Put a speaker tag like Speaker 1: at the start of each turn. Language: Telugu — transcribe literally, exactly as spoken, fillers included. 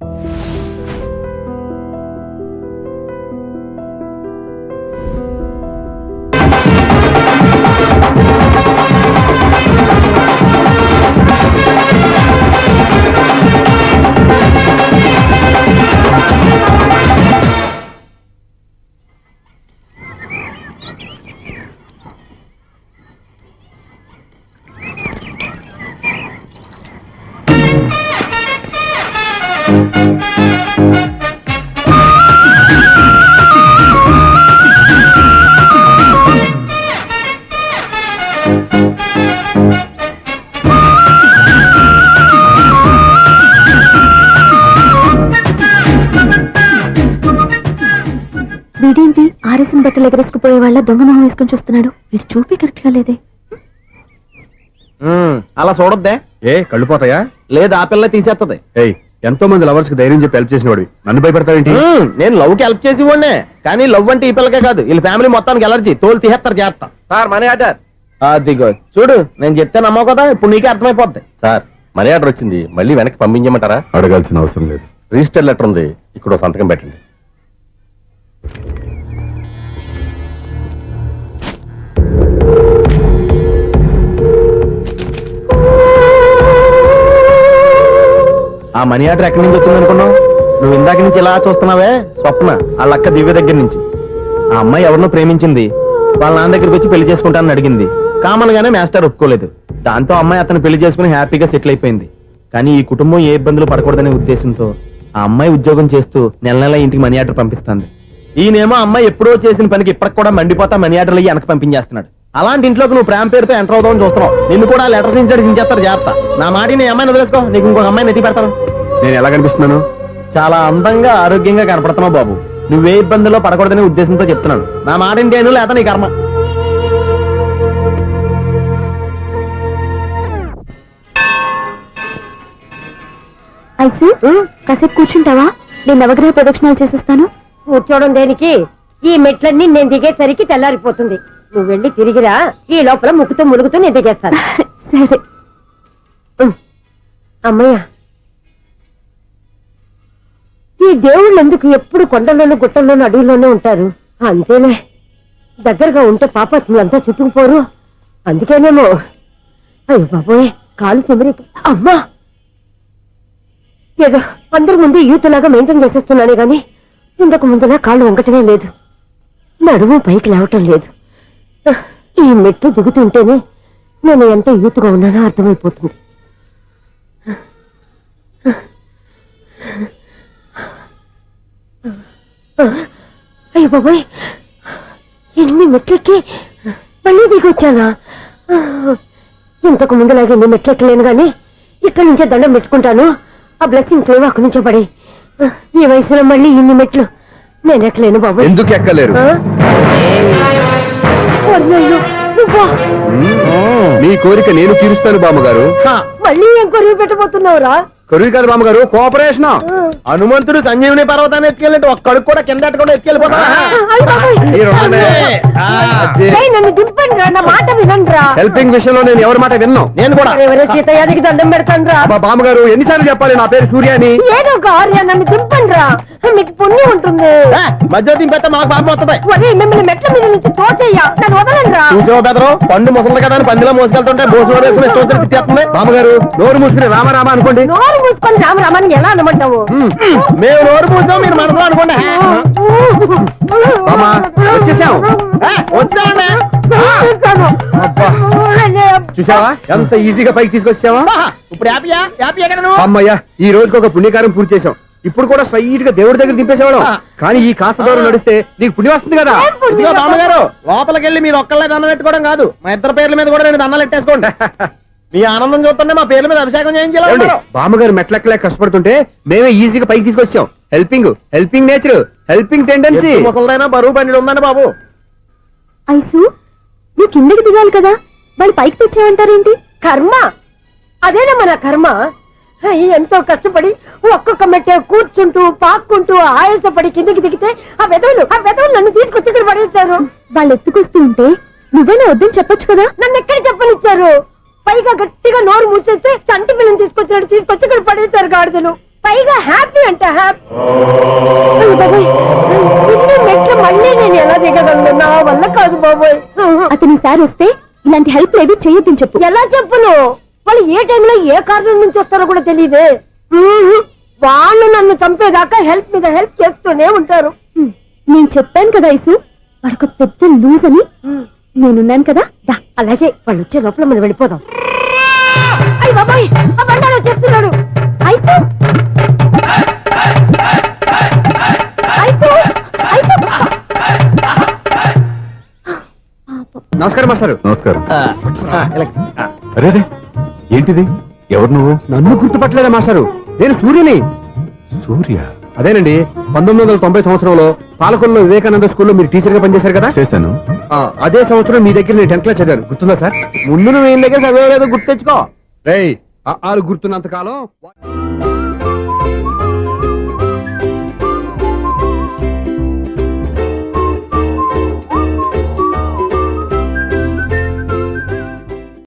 Speaker 1: వీడేంటి ఆర్ఎస్ఎన్ బట్టలు ఎగరేసుకుపోయే వాళ్ళ దొంగ మొహం వేసుకొని చూస్తున్నాడు. వీడు చూపి కరెక్ట్ గా లేదే.
Speaker 2: అలా చూడొద్దే.
Speaker 3: ఏ కళ్ళు పోతాయా?
Speaker 2: లేదు, ఆ పిల్ల తీసేస్తుంది.
Speaker 3: ఏయ్, ఎంతో మంది లవర్స్ కి ధైర్యం చెప్పి హెల్ప్ చేసిన వాడివి నన్ను భయపడతావేంటి?
Speaker 2: నేను లవ్ కి హెల్ప్ చేసి వాడినే, కానీ లవ్ అంటే ఈ పిల్లకే కాదు, వీళ్ళ ఫ్యామిలీ మొత్తానికి ఎలర్జీ. తోలు తీసేస్తారు చేస్తా.
Speaker 3: Sir money order.
Speaker 2: అదిగో చూడు, నేను చెప్తే నమ్మవు కదా, ఇప్పుడు నీకే అర్థమైపోద్ది.
Speaker 3: సార్ మనీ ఆర్డర్ వచ్చింది, మళ్ళీ వెనక్కి పంపించమంటారా?
Speaker 4: అడగాల్సిన అవసరం లేదు.
Speaker 3: రిజిస్టర్ లెటర్ ఉంది, ఇక్కడ సంతకం పెట్టండి.
Speaker 2: ఆ మనీ ఆర్డర్ ఎక్కడి నుంచి వచ్చింది అనుకున్నావు? నువ్వు ఇందాక నుంచి ఇలా చూస్తున్నావే, స్వప్న ఆ లక్క దివ్య దగ్గర నుంచి. ఆ అమ్మాయి ఎవరినో ప్రేమించింది, వాళ్ళ నాన్న దగ్గరికి వచ్చి పెళ్లి చేసుకుంటానని అడిగింది. కామన్ గానే మాస్టర్ ఒప్పుకోలేదు. దాంతో అమ్మాయి అతను పెళ్లి చేసుకుని హ్యాపీగా సెటిల్ అయిపోయింది. కానీ ఈ కుటుంబం ఏ ఇబ్బందులు పడకూడదనే ఉద్దేశంతో ఆ అమ్మాయి ఉద్యోగం చేస్తూ నెల నెల ఇంటికి మనీ ఆర్డర్ పంపిస్తుంది. ఈయనేమో అమ్మాయి ఎప్పుడో చేసిన పనికి ఇప్పటికి కూడా మండిపోతా మనీ ఆర్డర్లు అయ్యి వెనక పంపించేస్తున్నాడు. అలాంటి ఇంట్లోకి నువ్వు ప్రేమ పేరుతో ఎంటర్ అవుదామని చూస్తున్నావు. నిన్ను కూడా లెటర్స్ ఇన్సైడ్ సించేస్తారు. జాగ్రత్త. నా మాట నీ అమ్మాయిని వదిలేసుకో, నీకు ఇంకొక అమ్మాయిని ఎత్తి పెడతాను.
Speaker 3: నేను ఎలా కనిపిస్తున్నాను?
Speaker 2: చాలా అందంగా ఆరోగ్యంగా కనపడుతున్నావు బాబు. నువ్వే ఇబ్బందుల్లో పడకూడదనే ఉద్దేశంతో చెప్తున్నాను. నా మాట ఇంటేను, లేదా నీ కర్మ.
Speaker 1: ఐసు, కాసేపు కూర్చుంటావా? నేను నవగ్రహ ప్రదక్షిణాలు చేసేస్తాను.
Speaker 5: కూర్చోవడం దేనికి? ఈ మెట్లన్నీ నేను దిగేసరికి తెల్లారిపోతుంది. నువ్వు వెళ్ళి తిరిగిరా, ఈ లోపల ముక్కుతూ ములుగుతూ నేను దిగేస్తాను.
Speaker 1: సరే.
Speaker 5: అమ్మయ్య, ఈ దేవుళ్ళు ఎందుకు ఎప్పుడు కొండల్లోనూ గుట్టల్లోనూ అడవుల్లోనూ ఉంటారు? అంతేలే, దగ్గరగా ఉంటే పాపాత్ములంతా చుట్టుకుపోరు. అందుకేనేమో. అయ్యో బాబోయ్, కాలు తిమిరి. అమ్మా, ఏదో అందరి ముందు యూత్లాగా మెయింటైన్ చేసేస్తున్నానే గాని ఇంతకు ముందులా కాళ్ళు వంకటమే లేదు, నడుము పైకి లేవటం లేదు. ఈ మెట్లు దిగుతుంటేనే నేను ఎంత యూత్గా ఉన్నానో అర్థమైపోతుంది. అయ్య బాబోయ్, ఎన్ని మెట్లెక్కి మళ్ళీ దిగొచ్చానా? ఇంతకు ముందులాగే ఎన్ని మెట్లెక్కలేను గాని ఇక్కడి నుంచే దండం పెట్టుకుంటాను. ఆ బ్లెస్సింగ్స్ లేవు అక్కడి నుంచో పడి. ఈ వయసులో మళ్ళీ ఇన్ని మెట్లు నేను ఎక్కలేను బాబు.
Speaker 3: ఎందుకు ఎక్కలేరు? మీ కోరిక నేను తీరుస్తాను బామ్మగారు.
Speaker 5: మళ్ళీ ఏం కొరివి పెట్టబోతున్నావురా?
Speaker 3: కొరివి కాదు బామ్మగారు, కోఆపరేషన్.
Speaker 2: హనుమంతుడు సంజీవుని పర్వతాన్ని ఎత్తుకెళ్ళినట్టు ఒక్కడికి కూడా కింద కూడా ఎత్తుకెళ్ళిపోతా.
Speaker 5: నన్ను దింపండి రా, నా మాట వినండి రా.
Speaker 3: హెల్పింగ్ విషయంలో నేను ఎవరి మాట విన్నాను.
Speaker 2: నేను కూడా
Speaker 5: ఎవరో సీతయ్యానికి దండం పెడతాను రా.
Speaker 3: బామ్మగారు ఎన్నిసార్లు చెప్పాలి నా పేరు సూర్యాని?
Speaker 5: ఏదో ఒక ఆర్య, నన్ను దింపండి రా, మీకు పుణ్యం ఉంటుంది.
Speaker 2: మధ్య దింపేస్తే మాకు పాపం వస్తుంది.
Speaker 5: మిమ్మల్ని మెట్ల మీద నుంచి తోసేయ్యా, నన్ను వదలండి రా.
Speaker 2: చూసావో బెదరు, పండు ముసలి కదా అని పందిలో మోసుకెళ్తుంటే బోసులో వేసుకుని స్తోత్రం తిట్టేస్తుంది.
Speaker 3: బామ్మగారు నోరు మూసుకుని రామరామ అనుకోండి.
Speaker 5: నోరు మూసుకొని రామరామని ఎలా అనమంటావు?
Speaker 2: మేము నోరు మూసాం, మీరు మనసులో అనుకోండి.
Speaker 3: వచ్చేసాం.
Speaker 2: వచ్చామండి.
Speaker 3: చూసావా ఎంత ఈజీగా పైకి తీసుకొచ్చావా?
Speaker 2: ఇప్పుడు హ్యాపీయా? హ్యాపీ ఎక్కడ నువ్వు?
Speaker 3: అమ్మయ్యా, ఈ రోజుకి ఒక పుణ్యకారం పూర్తి చేసాం. ఇప్పుడు కూడా స్ట్రైట్ గా దేవుడి దగ్గర దింపేసేవాడు. కానీ ఈ కాస్త దూరం నడిస్తే నీకు పుణ్యం వస్తుంది కదా.
Speaker 2: ఇదిగో బామ్మగారు, లోపలికి వెళ్ళి మీరు ఒక్కళ్ళే దండం పెట్టుకోవడం కాదు, మా ఇద్దరు పేర్ల మీద కూడా రెండు దండాలు ఎట్టేసుకోండి. మీ ఆనందం చూస్తుంటే మా పేర్ల మీద అభిషేకం చేయించాలి.
Speaker 3: బామ్మగారు మెట్లెక్కలే కష్టపడుతుంటే మేమే ఈజీగా పైకి తీసుకొచ్చాం. Helping helping nature, helping tendency.
Speaker 2: ముసలైనా బరువు బండి ఉందండి బాబు.
Speaker 1: ఐసు, నువ్వు కిందకి దిగాలి కదా, వాళ్ళు పైకి తెచ్చావంటారేంటి?
Speaker 5: కర్మ అదేనా మన కర్మ. ఎంతో కష్టపడి ఒక్కొక్క మెట్టే కూర్చుంటూ పాక్కుంటూ ఆయాసపడి కిందికి దిగితే ఆ వెదవులు ఆ వెదవులు నన్ను తీసుకొచ్చి ఇక్కడ పడేశారు.
Speaker 1: వాళ్ళు ఎత్తుకొస్తూ ఉంటే నువ్వేనా వద్దని చెప్పొచ్చు కదా.
Speaker 5: నన్ను ఎక్కడ చెప్పనిచ్చారు? పైగా గట్టిగా నోరు మూసేస్తే చంటి పిల్లని తీసుకొచ్చినట్టు తీసుకొచ్చి ఇక్కడ పడేశారు గాడిదలు. పైగా హ్యాపీ అంట హ్యాపీ ఇన్ని మెట్లు మళ్ళీ నేను ఎలా దిగగలను నా వల్ల కాదు బాబోయ్.
Speaker 1: అతని సార్ వస్తే ఇలాంటి హెల్ప్ లేదు చేయొద్దని చెప్పు.
Speaker 5: ఎలా చెప్పును? వాళ్ళు ఏ టైంలో ఏ కారణం నుంచి వస్తారో కూడా తెలియదే. వాళ్ళు నన్ను చంపేదాకా హెల్ప్ మీద హెల్ప్ చేస్తూనే ఉంటారు.
Speaker 1: హ్మ్. నేను చెప్పాను కదా ఐసు వాడికి పెద్ద లూజ్ అని. నేనున్నాను కదా దా.
Speaker 5: అలాగే వాళ్ళు వచ్చే లోపల మనం వెళ్ళిపోదాం. అయ్య బాబాయ్ ఆ బండారు వచ్చేస్తున్నాడు.
Speaker 1: ఐసు ఐసు ఐసు
Speaker 3: నమస్కారం మాస్టారు.
Speaker 4: నమస్కారం.
Speaker 2: ఆ, ఆ, ఇలా. ఆ,
Speaker 4: అరే రే, ఏంటిది? ఎవరు నువ్వు?
Speaker 3: నన్ను గుర్తుపట్టలేదా మాస్టారు? నేను సూర్యుని.
Speaker 4: సూర్య.
Speaker 3: అదేనండి, పంతొమ్మిది వందల తొంభై సంవత్సరంలో పాలకొల్లో వివేకానంద స్కూల్లో మీరు టీచర్ గా పనిచేశారు కదా.
Speaker 4: చేశాను.
Speaker 3: ఆ, అదే సంవత్సరం మీ దగ్గర నేను టెన్త్ క్లాస్ చదివాను, గుర్తుందా సార్?
Speaker 2: ముందు నువ్వు ఏం దగ్గర చదివేదో గుర్తు తెచ్చుకో.
Speaker 3: రేయ్, ఆ ఆలు గుర్తున్నంత కాలం